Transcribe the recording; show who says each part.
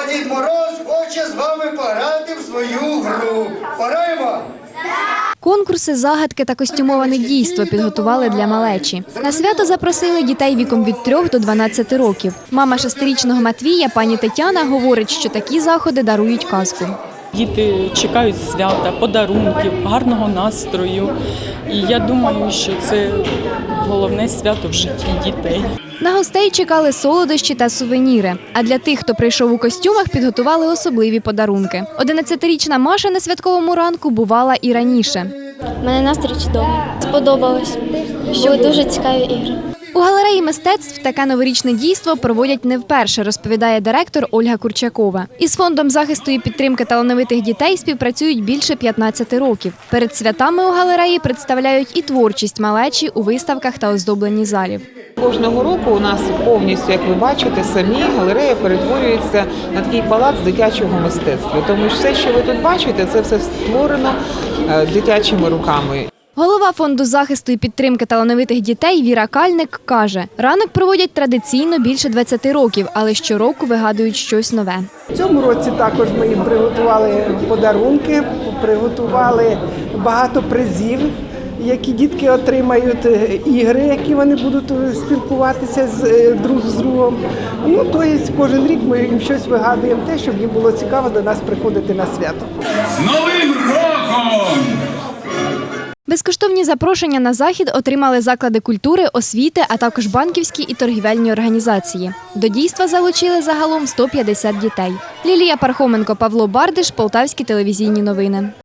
Speaker 1: Дід Мороз хоче з вами пограти в свою гру. Пограємо?
Speaker 2: Конкурси, загадки та костюмоване дійство підготували для малечі. На свято запросили дітей віком від 3 до 12 років. Мама 6-річного Матвія, пані Тетяна, говорить, що такі заходи дарують казку.
Speaker 3: Діти чекають свята, подарунків, гарного настрою. І я думаю, що це головне свято в житті дітей.
Speaker 2: На гостей чекали солодощі та сувеніри. А для тих, хто прийшов у костюмах, підготували особливі подарунки. 11-річна Маша на святковому ранку бувала і раніше.
Speaker 4: У мене настрій чудовий. Сподобалось. Були дуже цікаві ігри.
Speaker 2: У галереї мистецтв таке новорічне дійство проводять не вперше, розповідає директор Ольга Курчакова. Із Фондом захисту і підтримки талановитих дітей співпрацюють більше 15 років. Перед святами у галереї представляють і творчість малечі у виставках та оздобленні залів.
Speaker 5: Кожного року у нас повністю, як ви бачите, самі галерея перетворюється на такий палац дитячого мистецтва. Тому що все, що ви тут бачите, це все створено дитячими руками.
Speaker 2: Голова Фонду захисту і підтримки талановитих дітей Віра Кальник каже, ранок проводять традиційно більше 20 років, але щороку вигадують щось нове.
Speaker 6: В цьому році також ми їм приготували подарунки, приготували багато призів, які дітки отримають, ігри, які вони будуть спілкуватися друг з другом. Тобто кожен рік ми їм щось вигадуємо, те, щоб їм було цікаво до нас приходити на свято.
Speaker 7: З Новим роком!
Speaker 2: Безкоштовні запрошення на захід отримали заклади культури, освіти, а також банківські і торгівельні організації. До дійства залучили загалом 150 дітей. Лілія Пархоменко, Павло Бардиш, Полтавські телевізійні новини.